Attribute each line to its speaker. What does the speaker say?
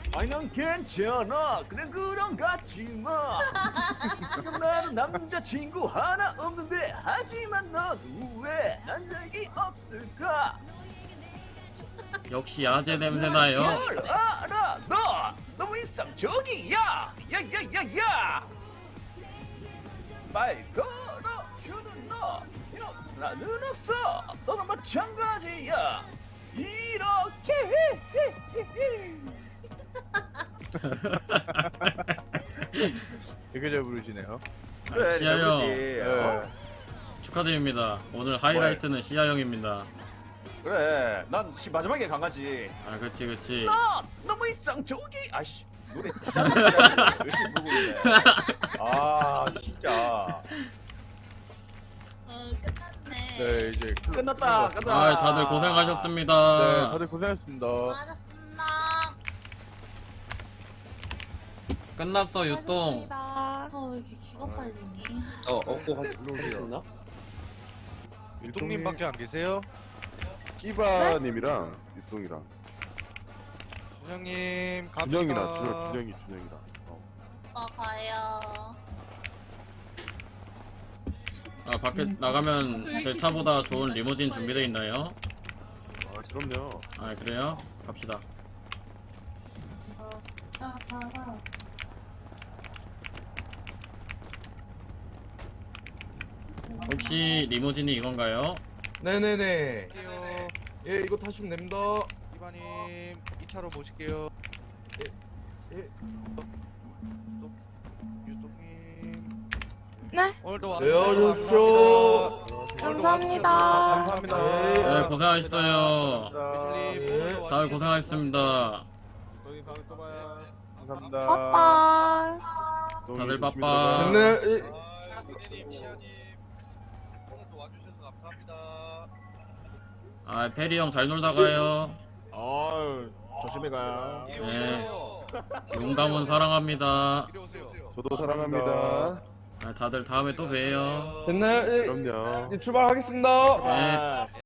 Speaker 1: 아니 난 괜찮아. 그냥 그런 같지 마. 지금 나는 남자친구 하나 없는데 하지만 너는 왜 남자이 없을까?
Speaker 2: 역시 야제 냄새 나요.
Speaker 1: 뭘 알아? 너 너무 이상적이야. 야야야야. 말 걸어주는 너 이런 나는 없어. 너도 마찬가지야. 이렇게
Speaker 3: 되게 잘 부르시네요.
Speaker 1: 그래,
Speaker 2: 시아 형
Speaker 1: 그러지.
Speaker 3: 네.
Speaker 2: 축하드립니다. 오늘 하이라이트는 시아 형입니다.
Speaker 1: 그래, 난 마지막에 강아지.
Speaker 2: 아 그치 그치.
Speaker 1: 너 너무 이상적이. 아씨 노래 진짜 열심히 부르고 있네. 아 진짜.
Speaker 4: 끝났네.
Speaker 3: 네, 이제
Speaker 1: 끝났다. 가자.
Speaker 2: 아 다들 고생하셨습니다.
Speaker 3: 네, 다들 고생하셨습니다.
Speaker 4: 수고하셨습니다.
Speaker 2: 끝났어 유똥.
Speaker 4: 왜 이렇게 기가 빨리니?
Speaker 5: 업고 할수 있나?
Speaker 6: 유통님밖에 안 계세요?
Speaker 7: 끼바님이랑 유통이랑
Speaker 6: 준영님 갑시다.
Speaker 7: 준영이랑 준영이랑
Speaker 4: 가요.
Speaker 2: 아 밖에 나가면 제 차보다 좋은 리무진 준비되어 있나요?
Speaker 7: 아 그럼요.
Speaker 2: 아 그래요? 갑시다. 혹시 리무진이 이건가요?
Speaker 8: 네네네.
Speaker 6: 갈게요.
Speaker 8: 예, 이거 타시면 됩니다.
Speaker 6: 이바님 2차로 모실게요.
Speaker 8: 예.
Speaker 6: 유통님.
Speaker 9: 네.
Speaker 6: 오늘도
Speaker 8: 네,
Speaker 6: 와주셔서
Speaker 8: 와주십시오.
Speaker 6: 감사합니다.
Speaker 9: 감사합니다.
Speaker 6: 감사합니다.
Speaker 2: 네 고생하셨어요.
Speaker 6: 예슬님
Speaker 8: 네.
Speaker 6: 오늘도
Speaker 2: 다들 고생하셨습니다.
Speaker 3: 저희 다음에 또 봐요.
Speaker 7: 감사합니다.
Speaker 9: 빠빠.
Speaker 2: 다들
Speaker 7: 조심히
Speaker 2: 바빠.
Speaker 7: 들어가요.
Speaker 8: 네. 예.
Speaker 6: 아, 미대님, 시아님 오늘도 와주셔서 감사합니다.
Speaker 2: 아 페리 형 잘 놀다 가요.
Speaker 3: 아유, 조심히 가요.
Speaker 6: 이리
Speaker 2: 네.
Speaker 6: 오세요.
Speaker 2: 용감은 사랑합니다.
Speaker 6: 이리 오세요.
Speaker 7: 저도 사랑합니다.
Speaker 2: 아, 다들 다음에 또 봬요.
Speaker 8: 됐나요? 예,
Speaker 7: 그럼요.
Speaker 8: 예, 출발하겠습니다.
Speaker 2: 네.